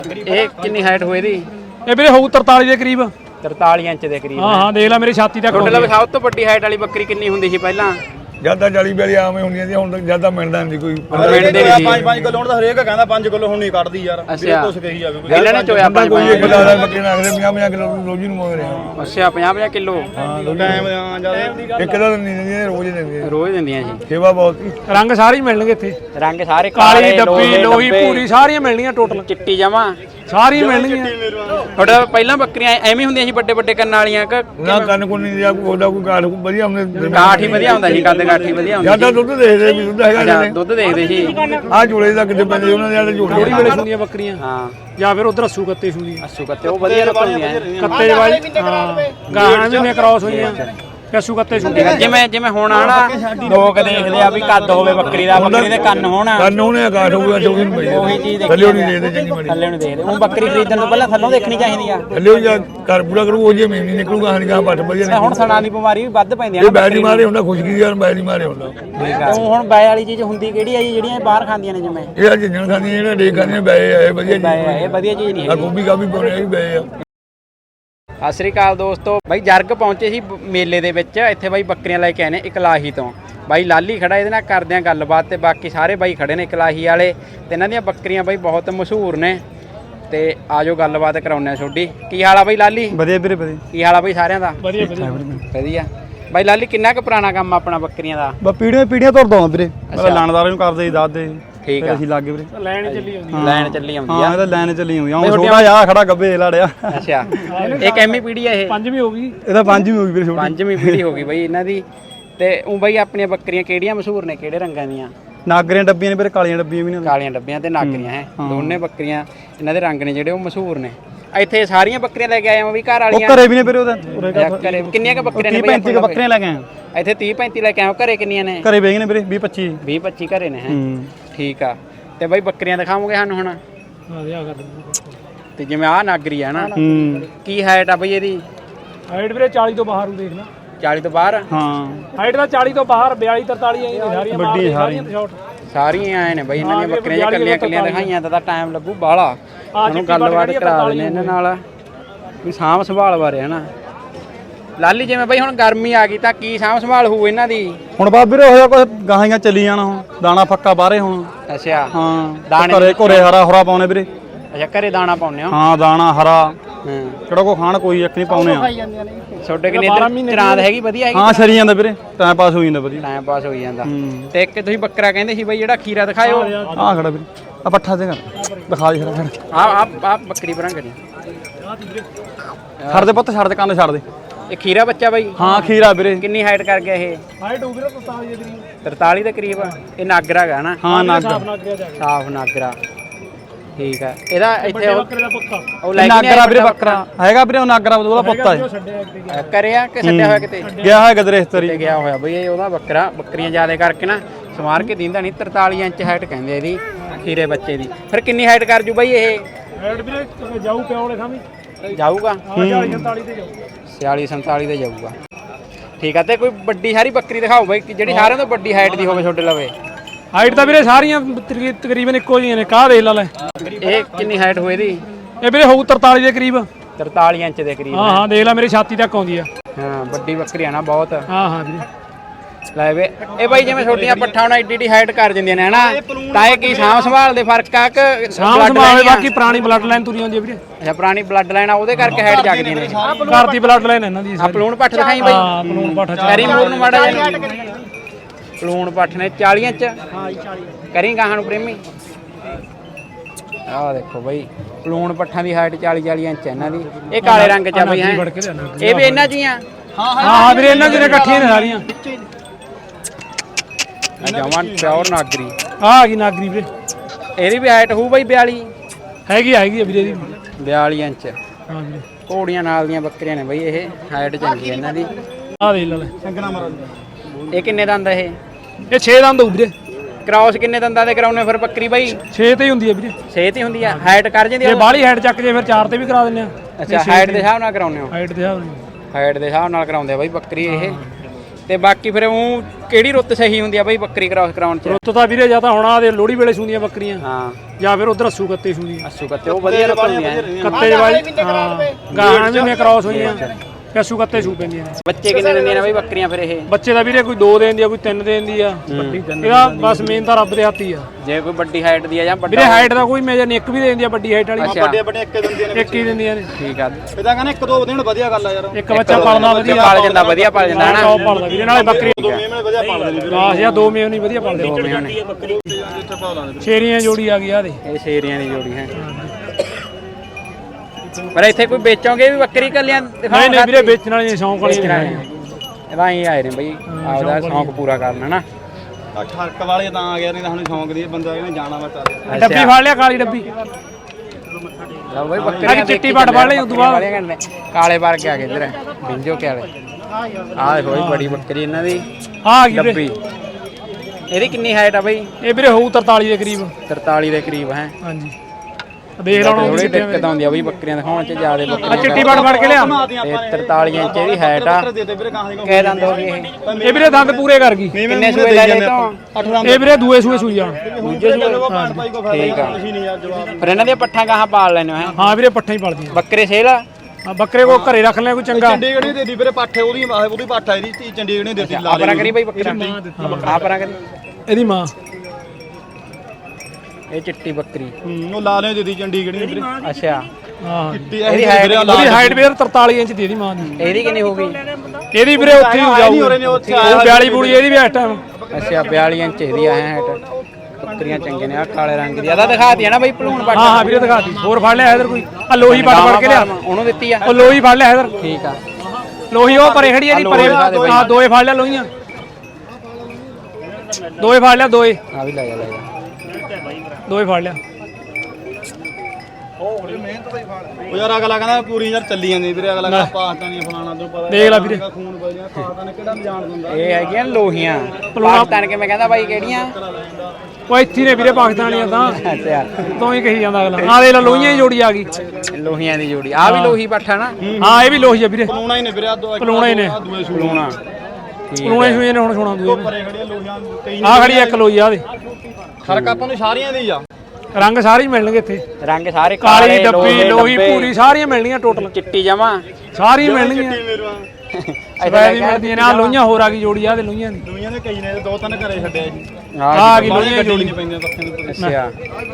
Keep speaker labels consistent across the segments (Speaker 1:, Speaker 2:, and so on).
Speaker 1: ਇਹ ਕਿੰਨੀ ਹਾਈਟ ਹੋਏ ਦੀ?
Speaker 2: ਇਹ ਵੀਰੇ ਹੋਊ 43 ਦੇ ਕਰੀਬ।
Speaker 1: 43 ਇੰਚ ਦੇ ਕਰੀਬ।
Speaker 2: ਹਾਂ ਦੇਖ ਲੈ ਮੇਰੀ ਛਾਤੀ ਤੱਕ।
Speaker 1: ਟੋਟਲ ਸਭ ਤੋਂ ਵੱਡੀ ਹਾਈਟ ਵਾਲੀ ਬੱਕਰੀ ਕਿੰਨੀ ਹੁੰਦੀ ਸੀ ਪਹਿਲਾਂ?
Speaker 3: ਜਿਆਦਾ 40-42 ਆਵੇਂ ਹੁੰਦੀਆਂ ਸੀ, ਹੁਣ ਤੱਕ ਜਿਆਦਾ ਮਿਲਦਾ ਨਹੀਂ ਕੋਈ।
Speaker 4: 5 ਕਿਲੋ ਹੁਣ ਤਾਂ ਹਰੇਕ ਕਹਿੰਦਾ 5 ਕਿਲੋ ਹੁਣ ਨਹੀਂ ਕੱਢਦੀ ਯਾਰ।
Speaker 1: ਅੱਛਾ
Speaker 4: ਕੁਛ ਕਹੀ ਜਾਵੇ ਕੋਈ।
Speaker 1: ਇਹਨਾਂ ਨੇ ਚੋਇਆ
Speaker 3: ਕੋਈ ਇੱਕ ਦਾਦਾ ਬੱਕਰੀ ਨਾਲ 50-50 ਕਿਲੋ ਰੋਜ਼ ਨੂੰ ਮੋੜ ਰਿਹਾ।
Speaker 1: ਅੱਛਾ 50-50 ਕਿਲੋ
Speaker 4: ਟਾਈਮ ਆ ਜਿਆਦਾ
Speaker 3: ਇੱਕ ਦਾ ਨਹੀਂ ਦਿੰਦੀਆਂ, ਰੋਜ਼ ਦਿੰਦੀਆਂ।
Speaker 1: ਰੋਜ਼ ਦਿੰਦੀਆਂ ਜੀ।
Speaker 3: ਸੇਵਾ ਬਹੁਤ ਸੀ।
Speaker 2: ਰੰਗ ਸਾਰੇ ਹੀ ਮਿਲਣਗੇ ਇੱਥੇ।
Speaker 1: ਰੰਗ ਸਾਰੇ
Speaker 2: ਕਾਲੀ ਡੱਬੀ ਲੋਹੀ ਪੂਰੀ ਸਾਰੀਆਂ ਮਿਲਣੀਆਂ ਟੋਟਲ।
Speaker 1: ਚਿੱਟੀ ਜਮਾ
Speaker 2: ਸਾਰੀਆਂ ਮਿਲਣਗੀਆਂ।
Speaker 1: ਤੁਹਾਡਾ ਪਹਿਲਾਂ ਬੱਕਰੀਆਂ ਐਵੇਂ ਹੁੰਦੀਆਂ ਸੀ ਵੱਡੇ ਵੱਡੇ ਕੰਨਾਂ ਵਾਲੀਆਂ ਕਿ
Speaker 3: ਨਾ ਕੰਨ ਕੋਲ ਨਹੀਂ ਜਾਂ ਕੋਈ ਕੋਈ ਕਾਠ ਵਧੀਆ ਹੁੰਦੇ।
Speaker 1: ਕਾਠ ਹੀ ਵਧੀਆ ਹੁੰਦਾ ਸੀ, ਕੱਦ ਕਾਠ ਹੀ ਵਧੀਆ ਹੁੰਦਾ
Speaker 3: ਜਿਆਦਾ ਦੁੱਧ ਦੇਖਦੇ ਵੀ ਦੁੱਧ ਹੈਗਾ
Speaker 1: ਸੀ। ਦੁੱਧ ਦੇਖਦੇ ਸੀ।
Speaker 3: ਆਹ ਝੋਲੇ ਦਾ ਕਿੱਥੇ ਪੈਂਦੇ ਉਹਨਾਂ ਦੇ ਆਲੇ ਝੋਲੇ।
Speaker 2: ਥੋੜੀ ਵੇਲੇ ਸੁਣਦੀਆਂ ਬੱਕਰੀਆਂ।
Speaker 1: ਹਾਂ
Speaker 2: ਜਾਂ ਫਿਰ ਉਧਰ ਅੱਸੂ ਕੱਤੇ ਸੁਣਦੀਆਂ।
Speaker 1: ਅੱਸੂ ਕੱਤੇ ਉਹ ਵਧੀਆ ਲੱਗਦੀਆਂ।
Speaker 2: ਕੱਤੇ ਵਾਲੀ ਹਾਂ ਗਾਹਾਂ ਵੀ ਨੇ ਕ੍ਰਾਸ ਹੋਈਆਂ। ਅੱਸੂ ਕੱਤੇ ਸੁਣਦੀਆਂ।
Speaker 1: ਜਿਵੇਂ ਹੁਣ ਆਣਾ ਲੋਕ ਦੇਖਦੇ ਆ ਵੀ ਕੱਦ ਹੋਵੇ ਬੱਕਰੀ ਦਾ, ਬੱਕਰੀ ਦੇ ਕੰਨ ਹੋਣ।
Speaker 3: ਕੰਨ ਹੋਣੇ ਕਾਠ ਹੋਊਗਾ ਚੌਕੀ ਨੂੰ ਪਈ।
Speaker 1: ਉਹੀ ਚੀਜ਼
Speaker 3: ਥੱਲੇ ਨਹੀਂ ਦੇਖਦੇ ਚੰਗੀ ਬੜੀ।
Speaker 1: ਥੱਲੇ ਨੂੰ ਦੇਖਦੇ। ਉਹ ਬੱਕਰੀ ਖਰੀਦਣ ਤੋਂ ਪਹਿਲਾਂ ਥੱਲੋਂ ਦੇਖਣੀ ਚਾਹੀਦੀ ਆ।
Speaker 3: ਥੱਲੇ ਜਾਂ ਘਰ ਪੂਰਾ ਕਰੂ ਉਹ ਜੇ ਮੇਮਨੀ ਨਿਕਲੂਗਾ ਹਣ ਗਾ ਪੱਟ ਵਧੀਆ।
Speaker 1: ਹੁਣ ਸਣਾ ਦੀ ਬਿਮਾਰੀ ਵੀ ਵੱਧ ਪੈਂਦੀ ਆ।
Speaker 3: ਇਹ ਬੈਰੀ ਮਾਰੇ ਹੁੰਦਾ, ਖੁਸ਼ਕੀ ਯਾਰ ਬੈਰੀ ਮਾਰੇ ਹੁੰਦਾ।
Speaker 1: ਉਹ ਹੁਣ ਬੈ ਵਾਲੀ ਚੀਜ਼ ਹੁੰਦੀ ਕਿਹੜੀ ਆ ਜੀ ਜਿਹੜੀਆਂ ਬਾਹਰ ਖਾਂਦੀਆਂ ਨੇ? ਜਿਵੇਂ
Speaker 3: ਇਹ ਜਿੰਨ ਖਾਂਦੀਆਂ ਇਹਨਾਂ ਡੇ ਖਾਂਦੀਆਂ ਬੈ ਆਏ ਵਧੀਆ ਜੀ।
Speaker 1: ਇਹ ਵਧੀਆ ਚੀਜ਼ ਨਹੀਂ
Speaker 3: ਆ
Speaker 1: ਹੈ।
Speaker 3: ਗੋਭੀ ਕਾਭੀ ਪਾਉਣੇ ਵੀ ਬੈ ਆ।
Speaker 1: ਸਤਿ ਸ੍ਰੀ ਅਕਾਲ ਦੋਸਤੋ, ਬਾਈ ਜਰਗ ਪਹੁੰਚੇ ਸੀ ਮੇਲੇ ਦੇ ਵਿੱਚ। ਇੱਥੇ ਬਾਈ ਬੱਕਰੀਆਂ ਲੈ ਕੇ ਆਏ ਨੇ ਇਕਲਾਹੀ ਤੋਂ। ਬਾਈ ਲਾਲੀ ਖੜਾ, ਇਹਦੇ ਨਾਲ ਕਰਦੇ ਆ ਗੱਲਬਾਤ। ਤੇ ਬਾਕੀ ਸਾਰੇ ਬਾਈ ਖੜੇ ਨੇ ਇਕਲਾਹੀ ਵਾਲੇ, ਤੇ ਇਹਨਾਂ ਦੀਆਂ ਬੱਕਰੀਆਂ ਬਾਈ ਬਹੁਤ ਮਸ਼ਹੂਰ ਨੇ। ਤੇ ਆਜੋ ਗੱਲਬਾਤ ਕਰਾਉਂਦੇ ਆ ਤੁਹਾਡੀ। ਕੀ ਹਾਲ ਆ ਬਾਈ ਲਾਲੀ?
Speaker 4: ਵਧੀਆ ਵੀਰੇ ਵਧੀਆ।
Speaker 1: ਕੀ ਹਾਲ ਆ ਬਾਈ ਸਾਰਿਆਂ ਦਾ?
Speaker 2: ਵਧੀਆ
Speaker 1: ਵਧੀਆ। ਬਾਈ ਲਾਲੀ ਕਿੰਨਾ ਕੁ ਪੁਰਾਣਾ ਕੰਮ ਆਪਣਾ ਬੱਕਰੀਆਂ ਦਾ?
Speaker 4: ਬਸ ਪੀੜੀਆਂ ਤੁਰਦਾ ਹਾਂ ਵੀਰੇ। ਲਾਣਦਾਰਾਂ ਨੂੰ ਕਰਦੇ ਸੀ ਦੱਸਦੇ।
Speaker 1: ਠੀਕ ਆ।
Speaker 4: ਅਸੀਂ ਲੱਗੇ ਵੀਰੇ।
Speaker 2: ਲਾਈਨ ਚੱਲੀ ਆਉਂਦੀ।
Speaker 1: ਲਾਈਨ ਚੱਲੀ ਆਉਂਦੀ
Speaker 4: ਹਾਂ
Speaker 1: ਆ।
Speaker 4: ਇਹ ਤਾਂ ਲਾਈਨ ਚੱਲੀ ਆਉਂਦੀ ਆ। ਹੁਣ ਛੋਟਾ ਜਿਹਾ ਖੜਾ ਗੱਬੇ ਲੜਿਆ।
Speaker 1: ਅੱਛਾ ਇਹ ਕਿੰਨੀ ਪੀੜੀ ਆ ਇਹ?
Speaker 2: ਪੰਜਵੀਂ ਹੋ ਗਈ।
Speaker 4: ਇਹਦਾ 5ਵੀਂ ਹੋ ਗਈ ਵੀਰੇ ਛੋਟੀ।
Speaker 1: 5ਵੀਂ ਪੀੜੀ ਹੋ ਗਈ ਬਾਈ ਇਹਨਾਂ ਦੀ। ਤੇ ਉਹ ਬਾਈ ਆਪਣੀਆਂ ਬੱਕਰੀਆਂ ਕਿਹੜੀਆਂ ਮਸ਼ਹੂਰ ਨੇ, ਕਿਹੜੇ ਰੰਗਾਂ ਦੀਆਂ?
Speaker 4: ਨਾਗਰੀਆਂ ਡੱਬੀਆਂ ਨੇ ਵੀਰੇ, ਕਾਲੀਆਂ ਡੱਬੀਆਂ ਵੀ ਨੇ।
Speaker 1: ਕਾਲੀਆਂ ਡੱਬੀਆਂ ਤੇ ਨਾਗਰੀਆਂ ਹੈ ਦੋਨੇ ਬੱਕਰੀਆਂ। ਇਹਨਾਂ ਦੇ ਰੰਗ ਨੇ ਜਿਹੜੇ ਉਹ ਮਸ਼ਹੂਰ ਨੇ। ਇੱਥੇ ਸਾਰੀਆਂ ਬੱਕਰੀਆਂ ਲੈ ਕੇ ਆਏ ਹਾਂ ਵੀ ਘਰ ਵਾਲੀਆਂ?
Speaker 4: ਉਹ ਘਰੇ ਵੀ ਨੇ ਵੀਰੇ ਉਹਦਾ।
Speaker 1: ਘਰੇ ਕਿੰਨੀਆਂ ਕ ਬੱਕਰੀਆਂ ਨੇ?
Speaker 4: 35 ਬੱਕਰੀਆਂ ਲੈ ਕੇ ਆਏ।
Speaker 1: ਇੱਥੇ 30-35 ਲੈ ਕੇ ਆਏ। ਘਰੇ ਕਿੰਨੀਆਂ ਨੇ?
Speaker 4: ਘਰੇ ਵੇਚ ਨੇ ਵੀਰੇ 20-25।
Speaker 1: 20-25 ਘਰੇ ਨੇ ਹੈ। ਠੀਕ ਆ। ਤੇ ਬਾਈ ਬੱਕਰੀਆਂ ਦਿਖਾਵੋਗੇ ਸਾਨੂੰ ਹੁਣ? ਤੇ ਜਿਵੇਂ ਆਹ ਨਾਗਰੀ ਆ ਨਾ, ਕੀ ਹਾਈਟ ਆ ਬਈ ਇਹਦੀ?
Speaker 2: ਹਾਈਟ ਵੀਰੇ 40 ਤੋਂ ਬਾਹਰ ਨੂੰ ਦੇਖ ਲੈ।
Speaker 1: 40 ਤੋਂ ਬਾਹਰ?
Speaker 4: ਹਾਂ
Speaker 2: ਹਾਈਟ ਦਾ 40 ਤੋਂ ਬਾਹਰ 42-43 ਆਈ ਸਾਰੀਆਂ
Speaker 4: ਵੱਡੀ
Speaker 1: ਸਾਰੀਆਂ ਆਏ ਨੇ ਬਾਈ ਇਹਨਾਂ ਦੀਆਂ ਬੱਕਰੀਆਂ। ਕੱਲੀਆਂ ਕੱਲੀਆਂ ਦਿਖਾਈਆਂ ਤਾਂ ਟਾਈਮ ਲੱਗੂ ਬਾਹਲਾ। ਉਹਨੂੰ ਗੱਲਬਾਤ ਕਰਾ ਦਿੰਦੇ ਇਹਨਾਂ ਨਾਲ ਵੀ ਸਾਂਭ ਸੰਭਾਲ ਬਾਰੇ ਹਨਾ। ਲਾਲੀ ਜਿਵੇਂ ਬਾਈ ਹੁਣ ਗਰਮੀ ਆ ਗਈ ਤਾਂ ਕੀ ਸਾਂਭ ਸੰਭਾਲ ਹੋਊ ਇਹਨਾਂ ਦੀ?
Speaker 4: ਹੁਣ ਬਾਬਾ ਵੀਰੇ ਹੋਇਆ ਕੁਝ ਗਾਹਾਂ ਚੱਲੀ ਜਾਣਾ। ਹੁਣ ਦਾਣਾ ਫੱਕਾ ਬਾਹਰੇ ਹੁਣ।
Speaker 1: ਅੱਛਾ
Speaker 4: ਹਾਂ
Speaker 1: ਦਾਣੇ
Speaker 4: ਘਰੇ ਹਰਾ ਹੁਰਾ ਪਾਉਣੇ ਵੀਰੇ।
Speaker 1: ਅੱਛਾ ਘਰੇ ਦਾਣਾ ਪਾਉਂਦੇ ਹੋ?
Speaker 4: ਹਾਂ ਦਾਣਾ ਹਰਾ
Speaker 1: ਹਾਂ
Speaker 4: ਕਿਹੜਾ ਕੋ ਖਾਣ ਕੋਈ ਇੱਕ ਨਹੀਂ ਪਾਉਣੇ ਆ।
Speaker 1: ਛੋਟੇ ਕਿੰਨੇ ਇੱਧਰ ਚਰਾਂਦ ਹੈਗੀ ਵਧੀਆ ਹੈਗੀ?
Speaker 4: ਹਾਂ ਸਰੀ ਜਾਂਦਾ ਵੀਰੇ, ਟਾਈਮ ਪਾਸ ਹੋ ਜਾਂਦਾ ਵਧੀਆ।
Speaker 1: ਟਾਈਮ ਪਾਸ ਹੋਈ ਜਾਂਦਾ। ਤੇ ਇੱਕ ਤੁਸੀਂ ਬੱਕਰਾ ਕਹਿੰਦੇ ਸੀ ਬਾਈ ਜਿਹੜਾ ਖੀਰਾ ਦਿਖਾਇਓ।
Speaker 4: ਆਹ ਖੜਾ ਵੀਰੇ, ਆ ਪੱਠਾ ਤੇ ਦਿਖਾ ਦੇ ਖੜਾ।
Speaker 1: ਆ ਬੱਕਰੀ ਬਰੰਗ ਦੀ
Speaker 4: ਛੱਡ ਦੇ ਪੁੱਤ, ਛੱਡ ਦੇ ਕੰਨ ਛੱਡ ਦੇ।
Speaker 1: ਇਹ ਖੀਰਾ ਬੱਚਾ ਬਾਈ?
Speaker 4: ਹਾਂ ਖੀਰਾ ਵੀਰੇ।
Speaker 1: ਕਿੰਨੀ ਹਾਈਟ ਕਰ ਗਿਆ ਇਹ?
Speaker 2: ਹਾਈਟ ਹੋ ਵੀਰੇ 43 ਦੇ ਕਰੀਬ।
Speaker 1: 43 ਦੇ ਕਰੀਬ। ਇਹ ਨਾਗਰਾ ਹੈਗਾ ਨਾ?
Speaker 4: ਹਾਂ ਨਾਗ
Speaker 1: ਸਾਫ ਨਾਗਰਾ। ਠੀਕ ਆ। ਇਹਦਾ ਇੱਥੇ
Speaker 2: ਬੱਕਰੇ ਦਾ ਪੁੱਤ
Speaker 1: ਉਹ ਲੈ ਕੇ
Speaker 4: ਨਾਗਰਾ ਵੀਰੇ ਬੱਕਰਾ ਹੈਗਾ ਵੀਰੇ। ਉਹ ਨਾਗਰਾ ਉਹਦਾ ਪੁੱਤਾ ਹੈ।
Speaker 1: ਕਰਿਆ ਕਿ ਛੱਡਿਆ ਹੋਇਆ ਕਿਤੇ?
Speaker 4: ਗਿਆ ਹੋਇਆ ਗਦਰੇਸਤਰੀ
Speaker 1: ਤੇ ਗਿਆ ਹੋਇਆ ਬਈ ਇਹ ਉਹਦਾ ਬੱਕਰਾ। ਬੱਕਰੀਆਂ ਜ਼ਿਆਦਾ ਕਰਕੇ ਨਾ ਸਮਾਰ ਕੇ ਦਿੰਦਾ ਨਹੀਂ। 43 ਇੰਚ ਹਾਈਟ ਕਹਿੰਦੇ ਇਹਦੀ ਖੀਰੇ ਬੱਚੇ ਦੀ। ਫਿਰ ਕਿੰਨੀ ਹਾਈਟ ਕਰ ਜੂ ਬਾਈ ਇਹ?
Speaker 2: ਹਾਈਟ ਵੀਰੇ ਜਾਊ ਪਿਓ ਵਾਲੇ ਥਾਂ
Speaker 1: ਜਾਊਗਾ
Speaker 2: 40-47 ਤੇ ਜਾਊ।
Speaker 1: 46-47 ਤੇ ਜਾਊਗਾ। ਠੀਕ ਆ। ਤੇ ਕੋਈ ਵੱਡੀ ਸਾਰੀ ਬੱਕਰੀ ਦਿਖਾਓ ਬਾਈ ਜਿਹੜੀ ਸਾਰਿਆਂ ਤੋਂ ਵੱਡੀ ਹਾਈਟ ਦੀ ਹੋਵੇ ਛੋਟੇ ਲਵੇ।
Speaker 2: ਹਾਈਟ ਤਾਂ ਵੀਰੇ ਸਾਰੀਆਂ ਤਕਰੀਬਨ ਇੱਕੋ ਜਿਹੀਆਂ ਨੇ। ਕਾਹ ਦੇਖ ਲੈ।
Speaker 1: ਇਹ ਕਿੰਨੀ ਹਾਈਟ ਹੋਏ ਦੀ?
Speaker 2: ਇਹ ਵੀਰੇ ਹੋਊ 43 ਦੇ ਕਰੀਬ।
Speaker 1: 43 ਇੰਚ ਦੇ ਕਰੀਬ।
Speaker 2: ਹਾਂ ਦੇਖ ਲੈ ਮੇਰੀ ਛਾਤੀ ਤੱਕ ਆਉਂਦੀ ਆ।
Speaker 1: ਹਾਂ ਵੱਡੀ ਬੱਕਰੀ ਆ ਨਾ ਬਹੁਤ।
Speaker 2: ਹਾਂ ਵੀਰੇ
Speaker 1: ਲੈ ਵੇ ਇਹ ਬਾਈ ਜਿਵੇਂ ਛੋਟੀਆਂ ਪੱਠਾ ਹੁਣ ਐਡੀ ਹਾਈਟ ਕਰ ਦਿੰਦੀਆਂ ਨੇ ਹਨਾ, ਤਾਂ ਇਹ ਕੀ ਸਾਂਭ ਸੰਭਾਲ ਦੇ ਫਰਕ ਆ ਕਿ
Speaker 2: ਸਾਂਭ ਸੰਭਾਲ? ਬਾਕੀ ਪੁਰਾਣੀ ਬਲੱਡ ਲਾਈਨ ਤੁਰੀ ਆਉਂਦੀ ਆ ਵੀਰੇ।
Speaker 1: ਅੱਛਾ ਪੁਰਾਣੀ ਬਲੱਡ ਲਾਈਨ ਆ ਉਹਦੇ ਕਰਕੇ ਹਾਈਟ ਜਗਦੀਆਂ ਨੇ।
Speaker 2: ਘਰ ਦੀ ਬਲੱਡ ਲਾਈਨ ਇਹਨਾਂ ਦੀ।
Speaker 1: ਆ ਪਲੂਣ ਪੱਠ ਦਿਖਾਈ ਬਾਈ।
Speaker 2: ਹਾਂ ਪਲੂਣ ਪੱਠ
Speaker 1: ਕਰੀ ਮੂਰ ਨੂੰ ਮਾੜਾ ਜਿਹਾ। ਪਲੂਣ ਪੱਠ ਨੇ 40 ਇੰਚ। ਕਰੀ ਗਾਹਾਂ ਨੂੰ ਪ੍ਰੇਮੀ। ਆਹ ਦੇਖੋ ਬਾਈ ਪਲੂਣ ਪੱਠਾਂ ਦੀ ਹਾਈਟ 40-40 ਇੰਚ ਹੈ ਇਹਨਾਂ ਦੀ। ਇਹ ਕਾਲੇ ਰੰਗ ਚ ਆ ਬਾਈ ਹੈ। ਇਹ ਵੀ ਇਹਨਾਂ ਚ ਹੀ ਆ?
Speaker 2: ਹਾਂ ਵੀਰੇ ਇਹਨਾਂ ਦੀਆਂ ਇਕੱਠੀਆਂ ਨੇ ਸਾਰੀਆਂ।
Speaker 1: ਜਵਾਨ ਪਿਓਰ ਨਾਗਰੀ।
Speaker 2: ਆ ਗਈ ਨਾਗਰੀ ਵੀਰੇ।
Speaker 1: ਇਹਦੀ ਵੀ ਹਾਈਟ ਹੋਊ ਬਾਈ 42?
Speaker 2: ਹੈਗੀ ਆ ਵੀਰੇ ਇਹਦੀ
Speaker 1: 42 ਇੰਚ।
Speaker 2: ਹਾਂ ਵੀਰੇ
Speaker 1: ਘੋੜੀਆਂ ਨਾਲ ਦੀਆਂ ਬੱਕਰੀਆਂ ਨੇ ਬਾਈ ਇਹ। ਹਾਈਟ ਚੰਗੀ ਹੈ ਇਹਨਾਂ ਦੀ।
Speaker 2: ਆ ਦੇਖ ਲੈ।
Speaker 4: ਸੰਗਣਾ ਮਹਾਰਾਜ
Speaker 1: ਇਹ ਕਿੰਨੇ ਦੰਦ ਇਹ?
Speaker 2: ਇਹ 6 ਦੰਦ ਹੋਊ ਵੀਰੇ।
Speaker 1: ਕ੍ਰਾਸ ਕਿੰਨੇ ਦੰਦਾਂ ਦੇ ਕਰਾਉਣੇ ਫਿਰ ਬੱਕਰੀ ਬਾਈ?
Speaker 2: 6 ਤੇ ਹੀ ਹੁੰਦੀ ਆ ਵੀਰੇ।
Speaker 1: 6 ਤੇ ਹੁੰਦੀ ਆ। ਹਾਈਟ ਕਰ ਜਾਂਦੀ
Speaker 2: ਜੇ ਬਾਹਲੀ ਹਾਈਟ ਚੱਕ ਜੇ ਫਿਰ 4 ਤੇ ਵੀ ਕਰਾ ਦਿੰਦੇ ਆ।
Speaker 1: ਅੱਛਾ ਹਾਈਟ ਦੇ ਹਿਸਾਬ ਨਾਲ ਕਰਾਉਣੇ ਹੋ?
Speaker 2: ਹਾਈਟ ਦੇ ਹਿਸਾਬ ਨਾਲ।
Speaker 1: ਹਾਈਟ ਦੇ ਹਿਸਾਬ ਨਾਲ ਕਰਾਉਂਦੇ ਆ ਬਾਈ ਬੱਕਰੀ ਇਹ। ਤੇ ਬਾਕੀ ਫਿਰ ਉਹ ਕਿਹੜੀ ਰੁੱਤ ਸਹੀ ਹੁੰਦੀ ਆ ਬਾਈ ਬੱਕਰੀ ਕ੍ਰਾਸ ਕਰਾਉਣ ਚ?
Speaker 2: ਰੁੱਤ ਤਾਂ ਵੀਰੇ ਜਾਂ ਤਾਂ ਹੁਣ ਆਦੇ ਲੋਹੜੀ ਵੇਲੇ ਸੂੰਦੀਆਂ ਬੱਕਰੀਆਂ
Speaker 1: ਹਾਂ
Speaker 2: ਜਾਂ ਫਿਰ ਉਧਰ ਅੱਸੂ ਕੱਤੇ ਸੂੰਦੀਆਂ।
Speaker 1: ਅੱਸੂ ਕੱਤੇ ਉਹ ਵਧੀਆ ਰੁੱਤ ਹੁੰਦੀਆਂ
Speaker 2: ਕੱਤੇ ਬਾਈ ਗਾਹਾਂ ਵੀ ਨੇ ਕ੍ਰਾਸ ਹੋਈਆਂ ਅੱਸੂ ਕੱਤੇ ਸੂ ਪੈਂਦੀਆਂ ਨੇ।
Speaker 1: ਬੱਚੇ ਕਿੰਨੇ ਦਿੰਦੀਆਂ ਨੇ ਬਾਈ ਬੱਕਰੀਆਂ ਫਿਰ ਇਹ?
Speaker 2: ਬੱਚੇ ਦਾ ਵੀਰੇ ਕੋਈ 2 ਦਿਨ ਦੀ ਆ ਕੋਈ 3 ਦਿਨ ਦੀ ਆ। ਇਹਦਾ ਬਸ ਮੇਨ ਤਾਂ ਰੱਬ ਦੇ ਹੱਥ ਹੀ ਆ।
Speaker 1: ਜੇ ਕੋਈ ਵੱਡੀ ਹਾਈਟ ਦੀ ਆ ਜਾਂ
Speaker 2: ਵੀਰੇ ਹਾਈਟ ਦਾ ਕੋਈ ਮੇਜਰ ਨਹੀਂ, ਇੱਕ ਵੀ ਦੇ ਦਿੰਦੀ ਆ ਵੱਡੀ ਹਾਈਟ ਵਾਲੀ।
Speaker 3: ਵੱਡੇ ਇੱਕ ਦਿੰਦੇ ਨੇ,
Speaker 2: ਇੱਕ ਹੀ ਦਿੰਦੀਆਂ ਨੇ।
Speaker 1: ਠੀਕ ਆ
Speaker 3: ਇਹਦਾ ਕਹਿੰਦਾ ਇੱਕ ਦੋ ਦਿਨ ਵਧੀਆ ਗੱਲ ਆ ਯਾਰ।
Speaker 2: ਇੱਕ ਬੱਚਾ ਪਾਲਣਾ ਵਧੀਆ
Speaker 1: ਪਾਲ ਜਾਂਦਾ, ਵਧੀਆ ਪਾਲ ਜਾਂਦਾ ਹੈ ਨਾ।
Speaker 2: ਟੌਪ ਪਾਲਦਾ ਵੀਰੇ, ਨਾਲੇ ਬੱਕਰੀ
Speaker 3: ਦੋ ਮੇਮਣੇ ਵਧੀਆ ਪਾਲਦੇ ਨੇ
Speaker 2: ਬਸ ਜਾਂ 2 ਮੇਵ ਨਹੀਂ ਵਧੀਆ ਪਾਲਦੇ। ਸ਼ੇਰੀਆਂ ਜੋੜੀ ਆ ਗਈ ਆ ਦੇ,
Speaker 1: ਇਹ ਸ਼ੇਰੀਆਂ ਦੀ ਜੋੜੀ ਹੈ। ਪਰ ਇੱਥੇ ਕੋਈ ਵੇਚੋਗੇ ਵੀ ਬੱਕਰੀ ਕੱਲਿਆਂ?
Speaker 2: ਨਹੀਂ ਨਹੀਂ ਵੀਰੇ ਵੇਚਣ ਵਾਲੀਆਂ ਸ਼ੌਂਕ ਵਾਲੀਆਂ
Speaker 1: ਇਹਦਾ ਹੀ ਆਏ ਨੇ ਬਈ ਆਪਦਾ ਸ਼ੌਂਕ ਪੂਰਾ ਕਰਨਾ ਨਾ।
Speaker 3: ਠਰਕ ਵਾਲੇ ਤਾਂ ਆ ਗਿਆ, ਨਹੀਂ ਤਾਂ ਹੁਣ ਸ਼ੌਂਕ ਦੀ ਬੰਦਾ ਇਹਨੇ ਜਾਣਾ ਵਾ ਚੱਲ।
Speaker 2: ਡੱਬੀ ਫੜ ਲਿਆ, ਕਾਲੀ ਡੱਬੀ।
Speaker 1: ਲਓ ਬਈ ਬੱਕਰੀਆਂ
Speaker 2: ਚਿੱਟੀ ਪੱਟ ਫੜ ਲਈ ਉਦੋਂ ਬਾਅਦ
Speaker 1: ਕਾਲੇ ਵਰਗੇ ਆ ਗਏ ਇੱਧਰ ਬਿੰਜੋ ਕੇ ਵਾਲੇ। ਆਹ ਹੋਈ ਬੜੀ ਬੱਕਰੀ ਇਹਨਾਂ ਦੀ
Speaker 2: ਆ ਗਈ ਵੀਰੇ।
Speaker 1: ਡੱਬੀ। ਇਹਦੀ ਕਿੰਨੀ ਹਾਈਟ ਆ ਬਈ?
Speaker 2: ਇਹ ਵੀਰੇ ਹੋਊ 43 ਦੇ ਕਰੀਬ।
Speaker 1: 43 ਦੇ ਕਰੀਬ ਹੈ।
Speaker 2: ਹਾਂਜੀ ਦੇਖ ਲਾਉਣਾ
Speaker 1: ਥੋੜੀ ਦਿੱਕਤ ਆਉਂਦੀ ਆ ਬਈ ਬੱਕਰੀਆਂ ਦਿਖਾਉਣ ਚ, ਜ਼ਿਆਦਾ
Speaker 2: ਆ
Speaker 1: ਬੱਕਰੀਆਂ
Speaker 2: ਚਿੱਟੀ ਪੱਟ ਫੜ ਕੇ ਲਿਆ।
Speaker 1: ਤੇ 43 ਇੰਚ ਇਹਦੀ ਹਾਈਟ ਆ। ਕਹਿ ਦੰਦ ਹੋ ਗਈ ਇਹ?
Speaker 2: ਇਹ ਵੀਰੇ ਦੰਦ ਪੂਰੇ ਕਰ ਗਈ।
Speaker 1: ਕਿੰਨੇ ਸੂਏ ਲੈ ਲਏ ਤੋਂ?
Speaker 2: ਇਹ ਵੀਰੇ ਦੂਏ ਸੂਏ ਸੂਈ ਜਾਣ।
Speaker 1: ਠੀਕ ਆ। ਫਿਰ ਇਹਨਾਂ ਦੀਆਂ ਪੱਠਾਂ ਗਾਹਾਂ ਪਾਲ ਲੈਣੇ ਹੈ?
Speaker 2: ਹਾਂ ਵੀਰੇ ਪੱਠਾਂ ਹੀ ਪਲਦੀਆਂ।
Speaker 1: ਬੱਕਰੇ ਸੇਲ ਆ?
Speaker 2: ਹਾਂ ਬੱਕਰੇ ਕੋ ਘਰੇ ਰੱਖ ਲੈ ਕੋਈ ਚੰਗਾ।
Speaker 3: ਚੰਡੀਗੜ੍ਹ ਨਹੀਂ ਦੇਦੀ ਵੀਰੇ ਪੱਠ, ਉਹਦੀ ਪੱਠ ਆ ਇਹਦੀ ਚੰਡੀਗੜ੍ਹ ਨਹੀਂ ਦੇਦੀ।
Speaker 1: ਆਪਣਾ ਕਰੀ ਬਈ ਬੱਕਰਾ ਆਪਣਾ ਕਰੀ।
Speaker 2: ਇਹਦੀ ਮਾਂ
Speaker 1: ਇਹ ਚਿੱਟੀ ਬੱਕਰੀ
Speaker 3: ਉਹ ਲਾ ਲਿਓ ਦੇਦੀ ਚੰਡੀਗੜ੍ਹ ਨਹੀਂ ਵੀਰੇ।
Speaker 1: ਅੱਛਾ
Speaker 2: ਹਾਂ
Speaker 1: ਇਹਦੀ ਹਾਈਟ
Speaker 2: ਉਹਦੀ ਹਾਈਟ ਵੀਰੇ 43 ਇੰਚ ਦੀ ਇਹਦੀ ਮਾਂ ਦੀ।
Speaker 1: ਇਹਦੀ ਕਿੰਨੀ ਹੋਊਗੀ?
Speaker 2: ਇਹਦੀ ਵੀਰੇ ਉੱਥੇ ਹੀ ਜਾਊਗੀ ਉਹ 42 ਬੂੜੀ ਇਹਦੀ ਵੀ ਇਸ ਟਾਈਮ।
Speaker 1: ਅੱਛਾ 42 ਇੰਚ ਇਹਦੀ ਆ ਹਾਈਟ। ਬੱਕਰੀਆਂ ਚੰਗੇ ਨੇ ਆ ਕਾਲੇ ਰੰਗ ਦੀ। ਆਦਾ ਦਿਖਾਤੀ ਨਾ ਬਈ ਭਲੂਣ ਪੱਟ।
Speaker 2: ਹਾਂ ਹਾਂ ਵੀਰੇ ਦਿਖਾਤੀ। ਹੋਰ ਫੜ ਲਿਆ ਇਧਰ ਕੋਈ ਆ ਲੋਹੀ ਪੱਟ ਫੜ ਕੇ ਲਿਆ।
Speaker 1: ਉਹਨੂੰ ਦਿੱਤੀ ਆ
Speaker 2: ਉਹ ਲੋਹੀ ਫੜ ਲਿਆ ਇਧਰ।
Speaker 1: ਠੀਕ ਆ
Speaker 2: ਲੋਹੀ ਉਹ ਪਰੇ ਖੜੀ ਇਹਦੀ ਪਰੇ। ਹਾਂ ਦੋਏ ਫੜ ਲਿਆ ਲੋਹੀਆਂ, ਦੋਏ ਫੜ ਲਿਆ ਦੋਏ।
Speaker 1: ਆ ਵੀ ਲੈ ਜਾ
Speaker 2: ਦੋਏ ਫੜ ਲਿਆ।
Speaker 3: ਉਹ ਯਾਰ ਅਗਲਾ ਕਹਿੰਦਾ ਪੂਰੀ ਯਾਰ ਚੱਲੀ ਜਾਂਦੀ ਵੀਰੇ। ਅਗਲਾ ਕਹਿੰਦਾ ਪਾਕਿਸਤਾਨੀ ਫਲਾਣਾ ਤੈਨੂੰ ਪਤਾ
Speaker 2: ਦੇਖ ਲੈ ਵੀਰੇ
Speaker 3: ਖੂਨ ਵਜਿਆ ਪਾਕਿਸਤਾਨ ਕਿਹੜਾ ਜਾਣ ਦਿੰਦਾ।
Speaker 1: ਇਹ ਹੈਗੀਆਂ ਲੋਹੀਆਂ ਪਾਕਿਸਤਾਨ ਕੇ। ਮੈਂ ਕਹਿੰਦਾ ਬਾਈ ਕਿਹੜੀਆਂ?
Speaker 2: ਉਹ ਇੱਥੇ ਨੇ ਵੀਰੇ ਪਾਕਿਸਤਾਨੀਆਂ ਤਾਂ।
Speaker 1: ਅੱਛਾ
Speaker 2: ਤੋਂ ਹੀ ਕਹੀ ਜਾਂਦਾ ਅਗਲਾ। ਆ ਦੇ ਲੋਹੀਆਂ ਦੀ ਜੋੜੀ ਆ ਗਈ।
Speaker 1: ਲੋਹੀਆਂ ਦੀ ਜੋੜੀ ਆ ਵੀ ਲੋਹੀ ਪੱਠਾ ਨਾ?
Speaker 2: ਹਾਂ ਇਹ ਵੀ ਲੋਹੀ ਆ ਵੀਰੇ।
Speaker 3: ਪਲੂਣਾ ਹੀ ਨੇ ਵੀਰੇ।
Speaker 2: ਪਲੂਣਾ ਹੀ ਨੇ।
Speaker 3: ਦੂਏ ਸੂਏ
Speaker 1: ਲੂਣਾ
Speaker 2: ਪਲੂਣੇ ਸੂਏ ਨੇ ਹੁਣ ਸੁਣਾ ਦੂਏ।
Speaker 3: ਪਰੇ ਖੜੀਆਂ ਲੋਹੀਆਂ ਕਈ
Speaker 2: ਆ ਖੜੀ ਇੱਕ ਲੋਈ ਆ ਦੇ।
Speaker 3: ਫਰਕ ਆਪਾਂ ਨੂੰ ਸਾਰੀਆਂ ਦੀ ਆ।
Speaker 2: ਰੰਗ ਸਾਰੇ ਹੀ ਮਿਲਣਗੇ ਇੱਥੇ।
Speaker 1: ਰੰਗ ਸਾਰੇ
Speaker 2: ਕਾਲੀ ਡੱਬੀ ਲੋਹੀ ਪੂਰੀ ਸਾਰੀਆਂ ਮਿਲਣੀਆਂ ਟੋਟਲ।
Speaker 1: ਚਿੱਟੀ ਜਮਾ
Speaker 2: ਸਾਰੀਆਂ ਮਿਲਣਗੀਆਂ। ਸਵੈ ਵੀ ਮਿਲਦੀਆਂ ਨੇ। ਆ ਲੋਹੀਆਂ ਹੋਰ ਆ ਗਈ ਜੋੜੀ ਆ ਦੇ ਲੋਹੀਆਂ ਦੀ।
Speaker 3: ਦੁਨੀਆਂ ਦੇ ਕਈ ਨੇ ਦੋ ਤਿੰਨ ਘਰੇ ਛੱਡਿਆ ਜੀ।
Speaker 2: ਆ ਗਈ ਲੋਹੀਆਂ ਜੋੜੀ
Speaker 3: ਨਹੀਂ ਪੈਂਦੀਆਂ ਪੱਖੇ ਦੇ ਉੱਤੇ।
Speaker 1: ਅੱਛਾ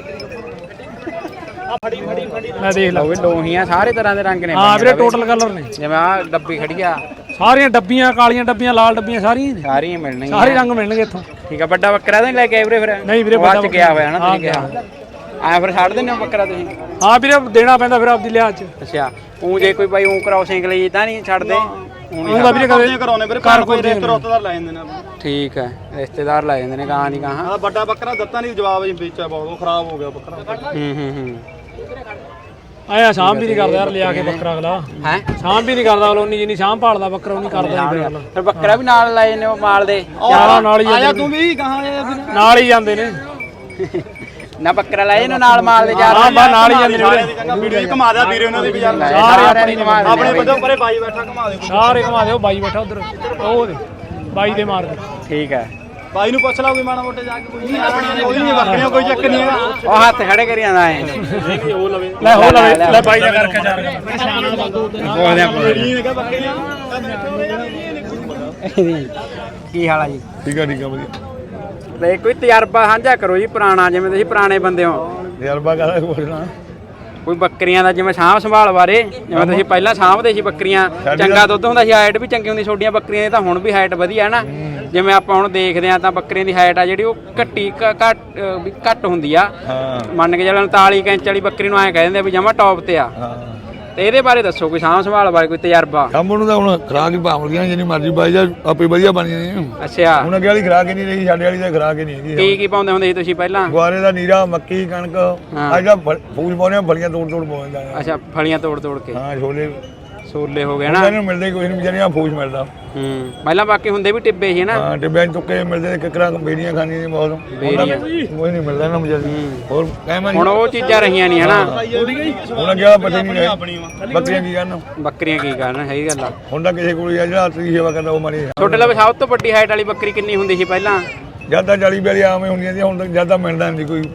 Speaker 2: ਮੈਂ ਦੇਖ ਲਾ।
Speaker 1: ਲਓ ਵੀ ਲੋਹੀਆਂ ਸਾਰੇ ਤਰ੍ਹਾਂ ਦੇ ਰੰਗ ਨੇ।
Speaker 2: ਹਾਂ ਵੀਰੇ ਟੋਟਲ ਕਲਰ ਨੇ।
Speaker 1: ਜਿਵੇਂ ਆ ਡੱਬੀ ਖੜੀ ਆ
Speaker 2: ਸਾਰੀਆਂ ਡੱਬੀਆਂ ਕਾਲੀਆਂ ਡੱਬੀਆਂ ਲਾਲ ਡੱਬੀਆਂ ਸਾਰੀਆਂ ਨੇ।
Speaker 1: ਸਾਰੀਆਂ ਮਿਲਣਗੀਆਂ।
Speaker 2: ਸਾਰੇ ਰੰਗ ਮਿਲਣਗੇ ਇੱਥੋਂ।
Speaker 1: ਠੀਕ ਆ। ਵੱਡਾ ਬੱਕਰਾ ਤਾਂ ਨਹੀਂ ਲੈ ਕੇ ਆਏ ਵੀਰੇ ਫਿਰ?
Speaker 2: ਨਹੀਂ ਵੀਰੇ
Speaker 1: ਬਾਅਦ ਚ ਗਿਆ ਹੋਇਆ ਨਾ ਤੁਸੀਂ ਕਿਹਾ। ਆਇਆ ਫਿਰ ਛੱਡ ਦਿੰਦੇ ਹੋ ਬੱਕਰਾ ਤੁਸੀਂ?
Speaker 2: ਹਾਂ ਵੀਰੇ ਦੇਣਾ ਪੈਂਦਾ ਫਿਰ ਆਪਦੀ ਲਿਹਾਜ਼ ਚ।
Speaker 1: ਅੱਛਾ ਉਹ ਜੇ ਕੋਈ ਬਾਈ ਉਹ ਕਰਾਉਸਿੰਗ ਲਈ ਤਾਂ ਨਹੀਂ ਛੱਡਦੇ?
Speaker 2: ਉਹਦਾ ਵੀਰੇ ਕਦੇ
Speaker 3: ਕਰਾਉਣੇ ਵੀਰੇ ਘਰ ਕੋਈ ਰਿਸ਼ਤੇਦਾਰ ਲੈ ਜਾਂਦੇ ਨੇ।
Speaker 1: ਠੀਕ ਹੈ ਰਿਸ਼ਤੇਦਾਰ ਲੈ ਜਾਂਦੇ ਨੇ ਗਾਂ ਨਹੀਂ ਗਾਂ।
Speaker 3: ਆ ਵੱਡਾ ਬੱਕਰਾ ਦਿੱਤਾ ਨਹੀਂ ਜਵਾਬ ਜੀ ਵੇਚਿਆ ਬਹੁਤ। ਉਹ ਖਰਾਬ ਹੋ ਗਿਆ ਬੱਕਰਾ।
Speaker 1: ਹੂੰ
Speaker 2: ਆਇਆ ਸ਼ਾਮ ਵੀ ਨਹੀਂ ਕਰਦਾ ਯਾਰ ਲਿਆ ਕੇ ਬੱਕਰਾ ਅਗਲਾ।
Speaker 1: ਹੈ
Speaker 2: ਸ਼ਾਮ ਵੀ ਨਹੀਂ ਕਰਦਾ ਅਗਲਾ। ਉਨੀ ਜਿੰਨੀ ਸ਼ਾਮ ਭਾਲਦਾ ਬੱਕਰਾ ਉਹ ਨਹੀਂ ਕਰਦਾ ਜੀ।
Speaker 1: ਫਿਰ ਬੱਕਰਾ ਵੀ ਨਾਲ ਲੈ ਜਾਂਦੇ ਉਹ ਮਾਲ ਦੇ?
Speaker 2: ਯਾਰਾਂ ਨਾਲ ਹੀ
Speaker 3: ਆਇਆ ਤੂੰ ਵੀ ਕਹਾਂ
Speaker 2: ਨਾਲ ਹੀ ਜਾਂਦੇ ਨੇ।
Speaker 1: ਨਾ ਬੱਕਰਾ ਲੈ ਜਾਂਦੇ ਨਾਲ ਮਾਲ ਦੇ ਜਾ
Speaker 2: ਹਾਂ ਬਾ ਨਾਲ ਹੀ ਜਾਂਦੇ ਨੇ।
Speaker 3: ਚੰਗਾ ਵੀਡੀਓ ਘੁਮਾ ਦਿਆ ਵੀਰੇ ਉਹਨਾਂ ਦੀ ਵੀ ਯਾਰ।
Speaker 1: ਆਪਣੇ
Speaker 3: ਬੰਦੇ ਪਰੇ ਬਾਈ ਬੈਠਾ ਘੁਮਾ ਦੇ।
Speaker 2: ਸਾਰੇ ਘੁਮਾ ਦਿਓ। ਬਾਈ ਬੈਠਾ ਉਧਰ ਉਹ ਦੇ ਬਾਈ ਦੇ ਮਾਰ ਦੇ।
Speaker 1: ਠੀਕ ਹੈ
Speaker 3: ਬਾਈ ਨੂੰ ਪੁੱਛ ਲਾ ਕੋਈ ਮਾੜਾ ਮੋਟੇ ਜਾ ਕੇ। ਕੋਈ ਨਹੀਂ ਬੱਕਰੀਆਂ ਕੋਈ ਚੱਕ ਨਹੀਂ ਹੈਗਾ।
Speaker 1: ਉਹ ਹੱਥ ਖੜੇ ਕਰੀ ਜਾਂਦਾ ਐ।
Speaker 2: ਲੈ ਹੋ ਲੈ ਬਾਈ ਦਾ ਕਰਕੇ ਚਾਰ
Speaker 1: ਬੋਲਦੇ ਆ
Speaker 3: ਨਹੀਂ ਹੈਗਾ ਬੱਕਰੀਆਂ।
Speaker 1: ਕੀ ਹਾਲ ਆ ਜੀ?
Speaker 3: ਠੀਕ ਆ ਵਧੀਆ।
Speaker 1: ਤੇ ਕੋਈ ਤਜਰਬਾ ਸਾਂਝਾ ਕਰੋ ਜੀ ਪੁਰਾਣਾ, ਜਿਵੇਂ ਤੁਸੀਂ ਪੁਰਾਣੇ ਬੰਦੇ ਹੋ।
Speaker 3: ਤਜਰਬਾ ਕਰਾ ਬੋਲਣਾ
Speaker 1: ਕੋਈ ਬੱਕਰੀਆਂ ਦਾ ਜਿਵੇਂ ਸਾਂਭ ਸੰਭਾਲ ਬਾਰੇ, ਜਿਵੇਂ ਤੁਸੀਂ ਪਹਿਲਾਂ ਸਾਂਭਦੇ ਸੀ ਬੱਕਰੀਆਂ, ਚੰਗਾ ਦੁੱਧ ਹੁੰਦਾ ਸੀ, ਹਾਈਟ ਵੀ ਚੰਗੀ ਹੁੰਦੀ ਛੋਟੀਆਂ ਬੱਕਰੀਆਂ ਦੀ, ਤਾਂ ਹੁਣ ਵੀ ਹਾਈਟ ਵਧੀਆ ਹੈ ਨਾ। ਜਿਵੇਂ ਆਪਾਂ ਹੁਣ ਦੇਖਦੇ ਆ ਤਾਂ ਬੱਕਰੀਆਂ ਦੀ ਹਾਈਟ ਆ ਜਿਹੜੀ ਉਹ ਘੱਟ ਹੁੰਦੀ ਆ। ਮੰਨ ਕੇ ਚੱਲਣ 39 ਇੰਚ ਵਾਲੀ ਬੱਕਰੀ ਨੂੰ ਐਂ ਕਹਿ ਦਿੰਦੇ ਵੀ ਜਮਾ ਟੌਪ ਤੇ ਆ। ਤੇ ਇਹਦੇ ਬਾਰੇ ਦੱਸੋ ਕੋਈ ਸਾਂਭ ਸੰਭਾਲ ਬਾਰੇ ਕੋਈ ਤਜਰਬਾ।
Speaker 3: ਕੰਮ ਨੂੰ ਤਾਂ ਹੁਣ ਖਰਾਕ ਹੀ ਭਾਵ ਲਈਆਂ ਜਿੰਨੀ ਮਰਜ਼ੀ ਬਾਈ ਜਾ ਆਪੇ ਵਧੀਆ ਬਣ ਜਾਂਦੀ।
Speaker 1: ਅੱਛਾ
Speaker 3: ਹੁਣ ਅੱਗੇ ਵਾਲੀ ਖਰਾਕ ਹੀ ਨਹੀਂ ਰਹੀ, ਸਾਡੇ ਵਾਲੀ ਤਾਂ ਖਰਾਕ ਹੀ ਨਹੀਂ ਹੈਗੀ।
Speaker 1: ਕੀ ਪਾਉਂਦੇ ਹੁੰਦੇ ਸੀ ਤੁਸੀਂ ਪਹਿਲਾਂ?
Speaker 3: ਗੁਆਰੇ ਦਾ ਨੀਰਾ, ਮੱਕੀ, ਕਣਕ। ਅੱਜ ਦਾ ਫੂਲ ਪਾਉਂਦੇ ਆ, ਫਲੀਆਂ ਤੋੜ ਪਾਉਂਦੇ ਆ।
Speaker 1: ਅੱਛਾ ਫਲੀਆਂ ਤੋੜ ਕੇ।
Speaker 3: ਹਾਂ ਛੋਲੇ
Speaker 1: ਸੋਲੇ ਹੋ ਗਏ ਨਾ
Speaker 5: ਇਹਨਾਂ ਨੂੰ ਮਿਲਦੇ ਕੋਈ ਨਹੀਂ ਵਿਚਾਰੀਆਂ ਫੂਸ ਮਿਲਦਾ
Speaker 1: ਪਹਿਲਾਂ ਬਾਕੀ ਹੁੰਦੇ ਵੀ ਟਿੱਬੇ ਸੀ ਨਾ
Speaker 5: ਹਾਂ ਟਿੱਬਿਆਂ 'ਚ ਤੁੱਕੇ ਮਿਲਦੇ ਕਿਕਰਾਂ ਬੇੜੀਆਂ ਖਾਣੀਆਂ ਨੇ ਬਹੁਤ ਕੋਈ ਨਹੀਂ ਮਿਲਦਾ ਨਾ ਵਿਚਾਰੀ ਹੋਰ ਕਹਿਮਾ
Speaker 1: ਹੁਣ ਉਹ ਚੀਜ਼ਾਂ ਰਹੀਆਂ ਨਹੀਂ ਹਨਾ
Speaker 5: ਹੁਣ ਅੱਗੇ ਵਾਲਾ ਪਤਾ ਨਹੀਂ ਰਿਹਾ ਬੱਕਰੀਆਂ ਕੀ ਕਰਨ
Speaker 1: ਬੱਕਰੀਆਂ ਕੀ ਕਰਨ ਸਹੀ ਗੱਲ ਆ
Speaker 5: ਹੁਣ ਤਾਂ ਕਿਸੇ ਕੋਲ ਜਿਹੜਾ ਹੱਥ ਦੀ ਸੇਵਾ ਕਰਦਾ ਉਹ ਮਾਰੀ
Speaker 1: ਛੋਟੇ ਲਵੇ ਸਭ ਤੋਂ ਵੱਡੀ ਹਾਈਟ ਵਾਲੀ ਬੱਕਰੀ ਕਿੰਨੀ ਹੁੰਦੀ ਸੀ ਪਹਿਲਾਂ
Speaker 5: ਜਿਆਦਾ 40 42 ਆਵੇਂ ਹੁੰਦੀਆਂ ਸੀ ਹੁਣ ਤਾਂ ਜਿਆਦਾ ਮਿਲਦਾ ਨਹੀਂ ਕੋਈ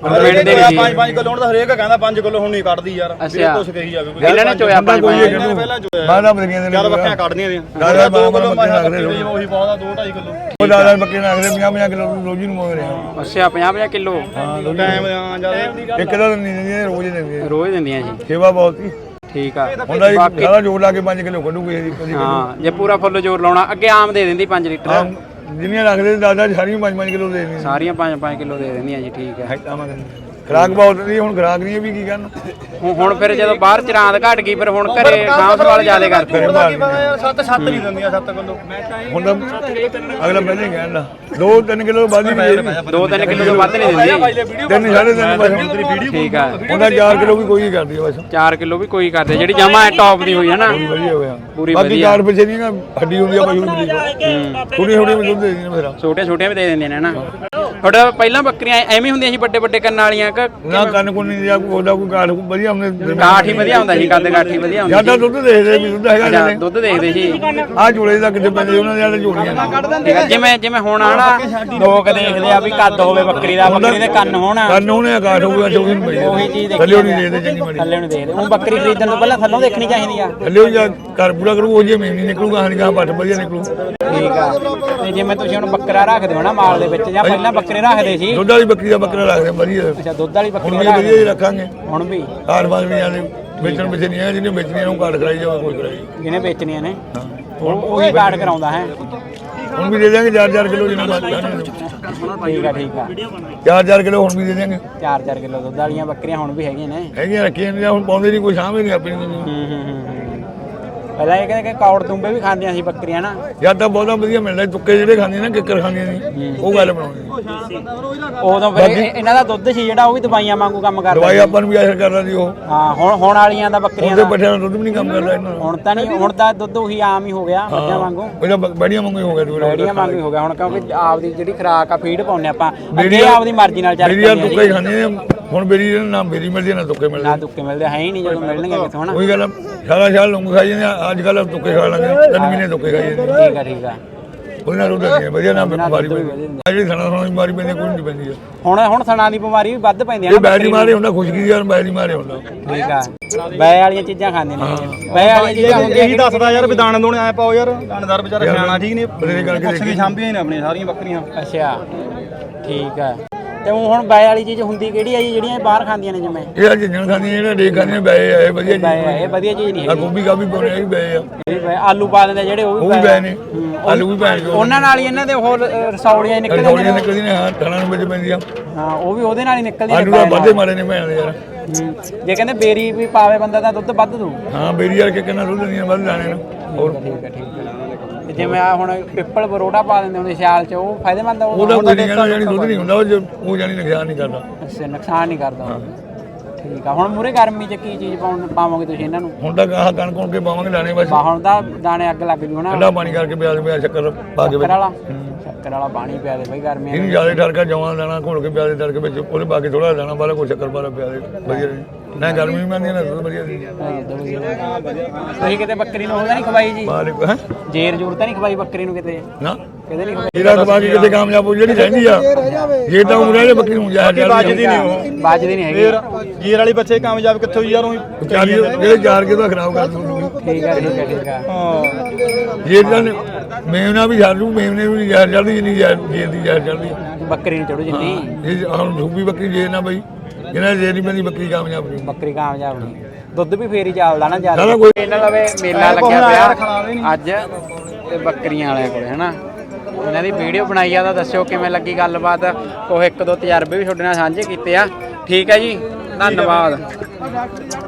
Speaker 3: 5 ਕਿਲੋ ਹੁਣ ਤਾਂ ਹਰੇਕ ਕਹਿੰਦਾ 5 ਕਿਲੋ ਹੁਣ ਨਹੀਂ ਕੱਢਦੀ ਯਾਰ
Speaker 1: ਅੱਛਾ
Speaker 3: ਕੁਛ ਕਹੀ ਜਾਵੇ ਕੋਈ
Speaker 1: ਇਹਨਾਂ ਨੇ ਚੋਇਆ
Speaker 5: ਕੋਈ
Speaker 3: ਪਹਿਲਾਂ ਚੋਇਆ
Speaker 5: ਬਾਹਰ ਬੱਕਰੀਆਂ ਦੇ
Speaker 3: ਜਦ ਬੱਕਰੀਆਂ ਕੱਢਦੀਆਂ ਨੇ
Speaker 5: ਦਾਦਾ
Speaker 3: 2 ਕਿਲੋ
Speaker 5: ਬੱਕਰੀਆਂ
Speaker 3: ਮੈਂ
Speaker 5: ਰੱਖਦੇ
Speaker 3: ਬੱਕਰੀ ਉਹੀ ਬਹੁਤ ਆ 2.5 ਕਿਲੋ
Speaker 5: ਉਹ ਦਾਦਾ ਬੱਕਰੀਆਂ ਰੱਖਦੇ 50 ਕਿਲੋ ਰੋਜ਼ ਨੂੰ ਮੰਗ ਰਿਹਾ
Speaker 1: ਅੱਛਾ 50 ਕਿਲੋ
Speaker 3: ਟਾਈਮ ਆ ਜਦ
Speaker 5: ਇੱਕ ਤਾਂ ਨਹੀਂ ਦਿੰਦੀਆਂ ਰੋਜ਼ ਹੀ ਦਿੰਦੀਆਂ
Speaker 1: ਰੋਜ਼ ਦਿੰਦੀਆਂ ਜੀ
Speaker 5: ਸੇਵਾ ਬਹੁਤ ਸੀ
Speaker 1: ਠੀਕ ਆ
Speaker 5: ਹੁੰਦਾ ਸਾਰਾ ਜੋੜ ਲਾ ਕੇ 5 ਕਿਲੋ ਕੱਢੂਗੇ ਜੀ
Speaker 1: ਹਾਂ ਜੇ ਪੂਰਾ ਫੁੱਲ ਜ਼ੋਰ ਲਾਉਣਾ ਅੱਗੇ ਆਮ ਦੇ ਦਿੰਦੀ 5 ਲੀਟਰ
Speaker 5: ਜਿੰਨੀਆਂ ਰੱਖਦੇ ਦਾਦਾ ਸਾਰੀਆਂ 5 ਕਿਲੋ ਦੇ ਦਿੰਦੀਆਂ
Speaker 1: ਸਾਰੀਆਂ 5 ਕਿਲੋ ਦੇ ਦਿੰਦੀਆਂ ਜੀ ਠੀਕ ਹੈ
Speaker 5: ਖਰਾਕ ਬਹੁਤ ਨਹੀਂ ਹੁਣ ਖਰਾਕ ਨਹੀਂ ਵੀ ਕੀ ਕਰਨ
Speaker 1: ਹੁਣ ਫਿਰ ਜਦੋਂ ਬਾਹਰ ਚਰਾਂਦ ਘਟ ਗਈ ਫਿਰ ਹੁਣ ਘਰੇ ਸਾਂਭ ਸੰਭਾਲ ਜ਼ਿਆਦਾ ਕਰਦੇ
Speaker 3: 7 ਨਹੀਂ ਦਿੰਦੀਆਂ 7 ਕਿਲੋ
Speaker 5: ਹੁਣ ਤਾਂ ਅਗਲਾ ਪਹਿਲੇ ਕਹਿੰਦਾ 2-3 ਕਿਲੋ ਵੱਧ ਹੀ ਨਹੀਂ
Speaker 1: 2-3 ਕਿਲੋ ਤੋਂ ਵੱਧ ਨਹੀਂ ਦਿੰਦੀ
Speaker 5: 3-3.5 ਬਸ
Speaker 1: ਠੀਕ ਆ
Speaker 5: ਉਹਦਾ 4 ਕਿਲੋ ਵੀ ਕੋਈ ਕਰਦੀ ਹੈ ਬਸ
Speaker 1: 4 ਕਿਲੋ ਵੀ ਕੋਈ ਕਰਦੇ ਜਿਹੜੀ ਜਮਾ ਟੌਪ ਦੀ ਹੋਈ ਹੈ ਨਾ
Speaker 5: ਵਧੀਆ ਹੋਇਆ
Speaker 1: ਪੂਰੀ
Speaker 5: ਬਾਕੀ
Speaker 1: ਵਧੀਆ
Speaker 5: 4 ਪਿੱਛੇ ਨਹੀਂ ਨਾ ਹੱਡੀ ਹੁੰਦੀ ਆ ਪਸ਼ੂ ਦੀ ਥੋੜੀ ਥੋੜੀ ਦੁੱਧ ਦੇ ਦਿੰਦੇ ਮੇਰਾ
Speaker 1: ਛੋਟੇ ਛੋਟੇ ਵੀ ਦੇ ਦਿੰਦੇ ਨੇ ਨਾ ਤੁਹਾਡਾ ਪਹਿਲਾਂ ਬੱਕਰੀਆਂ ਐਵੇਂ ਹੁੰਦੀਆਂ ਸੀ ਵੱਡੇ ਵੱਡੇ ਕੰਨਾਂ ਵਾਲੀਆਂ
Speaker 5: ਨਾ ਕੰਨ ਕੋਲ ਨਹੀਂ ਜਾਂ ਉਹਦਾ ਕੋਈ ਕਾਠ ਵਧੀਆ ਹੁੰਦੇ
Speaker 1: ਕਾਠ ਹੀ ਵਧੀਆ ਹੁੰਦਾ ਸੀ ਕੱਦ ਕਾਠ ਹੀ ਵਧੀਆ ਹੁੰਦੀ
Speaker 5: ਜਿਆਦਾ ਦੁੱਧ ਦੇਖਦੇ ਵੀ ਦੁੱਧ ਹੈਗਾ
Speaker 1: ਸੀ ਦੁੱਧ ਦੇਖਦੇ ਸੀ
Speaker 5: ਆ ਜੋੜੇ ਦਾ ਕਿਤੇ ਪੈਂਦੇ ਉਹਨਾਂ ਦੇ ਜਿਹੜੇ ਜੋੜੀਆਂ
Speaker 1: ਠੀਕ ਆ, ਜਿਵੇਂ ਹੁਣ ਆਣਾ ਲੋਕ ਦੇਖਦੇ ਆ ਵੀ ਕੱਦ ਹੋਵੇ ਬੱਕਰੀ ਦਾ ਬੱਕਰੀ ਦੇ ਕੰਨ ਹੋਣ
Speaker 5: ਕੰਨ ਉਹਨੇ ਕਾਠ ਹੋਊਗਾ ਚੌਕੀ ਨੂੰ ਪਈ
Speaker 1: ਉਹੀ ਚੀਜ਼
Speaker 5: ਥੱਲੇ ਨਹੀਂ ਦੇਖਦੇ ਚੰਗੀ ਮਾੜੀ
Speaker 1: ਥੱਲੇ ਨੂੰ ਦੇਖਦੇ ਉਹ ਬੱਕਰੀ ਖਰੀਦਣ ਤੋਂ ਪਹਿਲਾਂ ਥੱਲੋਂ ਦੇਖਣੀ ਚਾਹੀਦੀ ਆ
Speaker 5: ਥੱਲੇ ਜਾਂ ਘਰ ਪੂਰਾ ਕਰੂ ਉਹ ਜੇ ਮੇਵਨੀ ਨਿਕਲੂਗਾ ਹਣ ਗਾਂ ਪੱਟ ਵਧੀਆ ਨਿਕਲੂ
Speaker 1: ਠੀਕ ਆ ਤੇ ਜਿਵੇਂ ਤੁਸੀਂ ਹੁਣ ਬੱਕਰਾ ਰੱਖਦੇ ਹੋ ਨਾ ਮਾਲ ਦੇ ਵਿੱਚ ਜਾਂ ਪਹਿਲਾਂ ਬੱਕਰੇ ਰੱਖਦੇ ਸੀ
Speaker 5: ਦੁੱਧ ਵਾਲੀ ਬੱਕਰੀ ਦਾ ਬੱਕਰਾ ਰੱਖਦੇ ਵਧੀਆ
Speaker 1: ਅੱਛਾ ਦੁੱਧ ਵਾਲੀ
Speaker 5: ਹੁਣ
Speaker 1: ਬੱਕਰੀ
Speaker 5: ਵੀ ਵਧੀਆ ਹੀ ਰੱਖਾਂਗੇ
Speaker 1: ਹੁਣ ਵੀ
Speaker 5: ਕਾਠ ਬਾਗ ਨਹੀਂ ਆਲੇ ਵੇਚਣ ਵਿੱਚ ਨਹੀਂ ਆ ਜਿਹਨੇ ਵੇਚਣੀਆਂ ਨੂੰ ਕਾਠ ਕਰਾਈ ਜਾਵੇ ਕੋਈ ਕਰਾਈ
Speaker 1: ਜਿਹਨੇ ਵੇਚਣੀਆਂ ਨੇ ਉਹੀ ਕਾਰਡ ਕਰਾਉਂਦਾ ਹੈ
Speaker 5: ਹੁਣ ਵੀ ਦੇ ਦਿਆਂਗੇ 4-4 ਕਿਲੋ ਜਿੰਨਾ ਬਾਤ
Speaker 1: ਠੀਕ ਆ ਠੀਕ ਆ
Speaker 5: 4-4 ਕਿਲੋ ਹੁਣ ਵੀ ਦੇ ਦਿਆਂਗੇ
Speaker 1: 4-4 ਕਿਲੋ ਦੁੱਧ ਵਾਲੀਆਂ ਬੱਕਰੀਆਂ ਹੁਣ ਵੀ ਹੈਗੀਆਂ ਨੇ
Speaker 5: ਹੈਗੀਆਂ ਰੱਖੀਆਂ ਨੇ ਹੁਣ ਪਾਉਂਦੇ ਨਹੀਂ ਕੋਈ ਸਾਹਮਣੇ ਨਹੀਂ ਆਪਣੀ
Speaker 1: ਪਹਿਲਾਂ ਇਹ ਕਹਿੰਦੇ ਕਿ ਕੌੜ ਤੁੰਬੇ ਵੀ ਖਾਂਦੀਆਂ ਸੀ ਬੱਕਰੀਆਂ ਨਾ
Speaker 5: ਯਾਦ ਤਾਂ ਬਹੁਤਾ ਵਧੀਆ ਮਿਲਦਾ ਤੁੱਕੇ ਜਿਹੜੇ ਖਾਂਦੀਆਂ ਨੇ ਕਿੱਕਰ ਖਾਂਦੀਆਂ ਨੇ ਉਹ ਗੱਲ ਬਣਾਉਣੀ
Speaker 1: ਉਦੋਂ ਫਿਰ ਇਹਨਾਂ ਦਾ ਦੁੱਧ ਸੀ ਜਿਹੜਾ ਉਹ ਵੀ ਦਵਾਈਆਂ ਵਾਂਗੂ ਕੰਮ ਕਰਦਾ
Speaker 5: ਦਵਾਈ ਆਪਾਂ ਨੂੰ ਵੀ ਅਸਰ ਕਰਦਾ ਸੀ ਉਹ
Speaker 1: ਹਾਂ ਹੁਣ ਵਾਲੀਆਂ ਦਾ ਬੱਕਰੀਆਂ
Speaker 5: ਉਹਦੇ
Speaker 1: ਦਾ
Speaker 5: ਪੱਠਿਆਂ ਦਾ ਦੁੱਧ ਵੀ ਨਹੀਂ ਕੰਮ ਕਰਦਾ ਇਹਨਾਂ
Speaker 1: ਹੁਣ ਤਾਂ ਨਹੀਂ ਹੁਣ ਤਾਂ ਦੁੱਧ ਉਹੀ ਆਮ ਹੀ ਹੋ ਗਿਆ ਮੱਝਾਂ ਵਾਂਗੂ
Speaker 5: ਉਹਦਾ ਬੜੀਆਂ ਵਾਂਗੂ ਹੀ ਹੋ ਗਿਆ ਦੂਰ
Speaker 1: ਬੜੀਆਂ ਵਾਂਗੂ ਹੀ ਹੋ ਗਿਆ ਹੁਣ ਕਿਉਂਕਿ ਆਪਦੀ ਜਿਹੜੀ ਖੁਰਾਕ ਆ ਫੀਡ ਪਾਉਂਦੇ ਆਪਾਂ ਅੱਗੇ ਆਪਦੀ ਮਰਜ਼ੀ ਨਾਲ ਚੱਲ
Speaker 5: ਮੇਰੀ ਯਾਰ ਤੁੱਕੇ ਖਾਂਦੇ ਨੇ ਹੁਣ ਮੇਰੀ ਨਾ ਮੇਰੀ ਮਿਲਦੀ ਨਾ ਤੁੱਕੇ ਮਿਲਦੇ
Speaker 1: ਨਾ ਤੁੱਕੇ ਮਿਲਦੇ ਹੈ ਹੀ ਨਹੀਂ ਜਦੋਂ ਮਿਲਣਗੇ ਕਿਥੋਂ ਹਨਾ
Speaker 5: ਉਹੀ ਗੱਲ ਸਾਰਾ ਸਾਲ ਲੰਗ ਖਾਈ ਜਾਂਦੇ ਅੱਜ ਕੱਲ ਤੁੱਕੇ ਖਾ ਲਾਂਗੇ 3 ਮਹੀਨੇ ਤੁੱਕੇ ਖਾਈ ਜਾਂਦੇ
Speaker 1: ਠੀਕ ਆ ਠੀਕ ਆ
Speaker 5: ਉਹਦੇ ਨਾਲ ਦੁੱਧ ਨਹੀਂ ਵਧੀਆ ਨਾ ਬਿਮਾਰੀ ਪੈਂਦੀ ਜਿਹੜੀ ਸਣਾ ਸਣਾ ਬਿਮਾਰੀ ਪੈਂਦੀ ਕੋਈ ਨਹੀਂ ਪੈਂਦੀ
Speaker 1: ਹੁਣ ਥਣਾ ਦੀ ਬਿਮਾਰੀ ਵੀ ਵੱਧ ਪੈਂਦੀ ਆ
Speaker 5: ਇਹ ਬੈਰੀ ਮਾਰੇ ਹੁੰਦਾ ਖੁਸ਼ਕੀ ਯਾਰ ਬੈਰੀ ਮਾਰੇ ਹੁੰਦਾ
Speaker 1: ਠੀਕ ਆ ਬੈ ਵਾਲੀਆਂ ਚੀਜ਼ਾਂ ਖਾਂਦੇ ਨੇ ਬੈ ਵਾਲੀਆਂ ਚੀਜ਼ਾਂ ਹੁੰਦੀਆਂ
Speaker 3: ਇਹੀ ਦੱਸਦਾ ਯਾਰ ਵੀ ਦਾਣੇ ਦੋਣੇ ਐ ਪਾਓ ਯਾਰ ਦਾਣੇਦਾਰ ਵਿਚਾਰਾ ਸਿਆਣਾ ਠੀਕ ਨੇ
Speaker 5: ਬਥੇਰੇ ਕਰਕੇ
Speaker 3: ਕੁਛ ਵੀ ਸਾਂਭੀਆਂ ਨੇ ਆਪਣੀਆਂ ਸਾਰੀਆਂ ਬੱਕਰੀਆਂ
Speaker 1: ਅੱਛਾ ਠੀਕ ਆ ਤੇ ਹੁਣ ਬੈ ਵਾਲੀ ਚੀਜ਼ ਹੁੰਦੀ ਕਿਹੜੀ ਆ ਜੀ ਜਿਹੜੀਆਂ ਇਹ ਬਾਹਰ ਖਾਂਦੀਆਂ ਨੇ ਜਿਵੇਂ
Speaker 5: ਇਹ ਜਿੰਨ ਖਾਂਦੀਆਂ ਜਿਹੜਾ ਡੇ ਖਾਂਦੀਆਂ ਬੈ ਆਏ ਵਧੀਆ
Speaker 1: ਬੈ ਇਹ ਵਧੀਆ ਚੀਜ਼ ਨਹੀਂ
Speaker 5: ਆ ਗੋਭੀ ਕਾਭੀ ਪਾਉਣੇ ਇਹ ਵੀ ਬੈ ਆ
Speaker 1: ਹੈਗੀ ਬੈ ਆਲੂ ਪਾ ਦਿੰਦੇ ਜਿਹੜੇ ਉਹ
Speaker 5: ਉਹ
Speaker 1: ਵੀ
Speaker 5: ਵੀ ਬੈ ਨੇ ਆਲੂ ਵੀ ਬੈ
Speaker 1: ਉਹਨਾਂ ਨਾਲ ਹੀ ਇਹਨਾਂ ਦੇ ਹੋਰ ਰਸੌਲੀਆਂ ਨਿਕਲਦੀਆਂ
Speaker 5: ਥੋੜੀਆਂ ਨਿਕਲਦੀਆਂ ਨੇ ਹਾਂ ਥਣਾ ਨੂੰ ਵਿੱਚ ਪੈਂਦੀਆਂ
Speaker 1: ਹਾਂ ਉਹ ਵੀ ਉਹਦੇ ਨਾਲ ਹੀ ਨਿਕਲਦੀਆਂ
Speaker 5: ਆਲੂ ਦਾ ਵੱਧੇ ਮਾਰੇ ਨੇ ਭੈਣ ਦੇ ਯਾਰ
Speaker 1: ਜੇ ਕਹਿੰਦੇ ਬੇਰੀ ਵੀ ਪਾਵੇ ਬੰਦਾ ਤਾਂ ਦੁੱਧ ਵੱਧ ਦੂ
Speaker 5: ਹਾਂ ਬੇਰੀ ਯਾਰ ਕਿ ਕਿੰਨਾ ਦੁੱਧ ਦੀਆਂ ਵੱਧ ਜਾਣੇ ਨੇ ਹੋਰ
Speaker 1: ਠੀਕ ਹੈ ਤੇ ਜਿਵੇਂ ਆ ਹੁਣ ਪਿੱਪਲ ਬਰੋੜਾ ਪਾ ਦਿੰਦੇ ਹੁੰਦੇ ਸਿਆਲ ਚ ਉਹ ਫਾਇਦੇਮੰਦ ਆ
Speaker 5: ਉਹਦਾ ਕੋਈ ਨਹੀਂ ਕਹਿੰਦਾ ਜਾਨੀ ਦੁੱਧ ਨਹੀਂ ਹੁੰਦਾ ਉਹ ਜਾਨੀ ਨੁਕਸਾਨ ਨਹੀਂ ਕਰਦਾ
Speaker 1: ਅੱਛਾ ਨੁਕਸਾਨ ਨਹੀਂ ਕਰਦਾ ਠੀਕ ਆ ਹੁਣ ਮੂਰੇ ਗਰਮੀ ਚ ਕੀ ਚੀਜ਼ ਪਾਵੋਗੇ ਤੁਸੀਂ ਇਹਨਾਂ ਨੂੰ
Speaker 5: ਹੁਣ ਤਾਂ ਆਹ ਕਣਕ ਕੋਣ ਕੇ ਪਾਵਾਂਗੇ ਦਾਣੇ ਬਸ
Speaker 1: ਹੁਣ ਤਾਂ ਦਾਣੇ ਅੱਗ ਲੱਗ ਜੂ ਹਨਾ
Speaker 5: ਠੰਡਾ ਪਾਣੀ ਕਰਕੇ ਪਿਆਜ਼ ਪਿਆਜ਼ ਸ਼ੱਕਰ ਪਾ ਕੇ ਵਿੱਚ
Speaker 1: ਸ਼ੱਕਰ ਵਾਲਾ ਪਾਣੀ ਪਿਆ ਦੇ ਬਈ ਗਰਮੀਆਂ
Speaker 5: ਇਹਨੂੰ ਜ਼ਿਆਦਾ ਠਰਕਾ ਜਵਾਂ ਦਾਣਾ ਘੋਲ ਕੇ ਪਿਆਜ਼ ਦੇ ਤੜਕੇ ਵਿੱਚ ਉਹਦੇ ਪਾ ਕੇ ਥੋੜਾ ਦਾਣਾ ਵਾਲਾ ਕੋਈ ਸ਼ੱਕਰ ਪਾਲਾ ਪਿਆਜ਼ ਵਧੀਆ ਨਾ ਗਰਮੀ ਵੀ ਮੰਨਦੀ ਨਾ ਦੁੱਧ ਵਧੀਆ ਦੀ
Speaker 1: ਤੁਸੀਂ ਕਿਤੇ ਬੱਕਰੀ ਨੂੰ ਉਹਦਾ ਨਹੀਂ ਖਵਾਈ ਜੀ
Speaker 5: ਮਾਲਿਕ ਹੈ
Speaker 1: ਜੇਰ ਜੂਰ ਤਾਂ ਨਹੀਂ ਖਵਾਈ ਬੱਕਰੀ ਨੂੰ ਕਿਤੇ
Speaker 5: ਨਾ
Speaker 1: ਕਿਤੇ ਨਹੀਂ ਖਵਾਈ
Speaker 5: ਇਹਦਾ ਦਬਾ ਕੇ ਕਿਤੇ ਕਾਮਯਾਬ ਹੋ ਜਿਹੜੀ ਰਹਿੰਦੀ ਆ ਜੇ ਤਾਂ ਉਮਰ ਵਾਲੇ ਬੱਕਰੀ ਨੂੰ ਜਾਇ
Speaker 3: ਵੱਜਦੀ ਨਹੀਂ ਉਹ
Speaker 1: ਬਾਜਦੀ ਨਹੀਂ ਹੈਗੀ
Speaker 3: ਜੀਰ ਵਾਲੀ ਬੱਚੇ ਕਾਮਯਾਬ ਕਿੱਥੋਂ ਯਾਰ ਉਹ
Speaker 5: ਜਿਹੜੇ ਜਾਰ ਕੇ ਤਾਂ ਖਰਾਬ ਕਰ ਦੂੰਗੀ
Speaker 1: ਠੀਕ ਆ ਠੀਕ ਆ ਠੀਕ ਆ
Speaker 3: ਹਾਂ
Speaker 5: ਜੇ ਤਾਂ ਮੇਵਨਾ ਵੀ ਛੱਡ ਦੂ ਮੇਵਨੇ ਨੂੰ ਜ਼ਹਿਰ ਚੜਦੀ ਜਿੰਨੀ ਜੇ ਦੀ ਜ਼ਹਿਰ ਚੜਦੀ
Speaker 1: ਬੱਕਰੀ ਨੂੰ ਚੜੂ ਜਿੰਨੀ
Speaker 5: ਇਹ ਹੁਣ ਸੂਬੀ ਬੱਕਰੀ ਜੇ ਨਾ ਬਈ ਇਹਨਾਂ ਜੇ ਨਹੀਂ ਪੈਂਦੀ ਬੱਕਰੀ ਕਾਮਯਾਬ ਨਹੀਂ
Speaker 1: ਬੱਕਰੀ ਕਾਮਯਾਬ ਨਹੀਂ ਦੁੱਧ ਵੀ ਫੇਰ ਹੀ ਚੱਲਦਾ ਨਾ ਜ਼ਿਆਦਾ
Speaker 5: ਸਾਰਾ ਕੋਈ
Speaker 1: ਇਹਨਾਂ ਦਾ ਵੇ ਮੇਲਾ ਲੱਗਿਆ ਪਿਆ ਅੱਜ ਤੇ ਬੱਕਰੀਆਂ ਵਾਲੇ ਕੋਲੇ ਹਨਾ ਇਹਨਾਂ ਦੀ ਵੀਡੀਓ ਬਣਾਈ ਆ ਤਾਂ ਦੱਸਿਓ ਕਿਵੇਂ ਲੱਗੀ ਗੱਲਬਾਤ ਕੋਈ 1-2 ਤਜਰਬੇ ਵੀ ਤੁਹਾਡੇ ਨਾਲ ਸਾਂਝੇ ਕੀਤੇ ਆ ਠੀਕ ਹੈ ਜੀ ਧੰਨਵਾਦ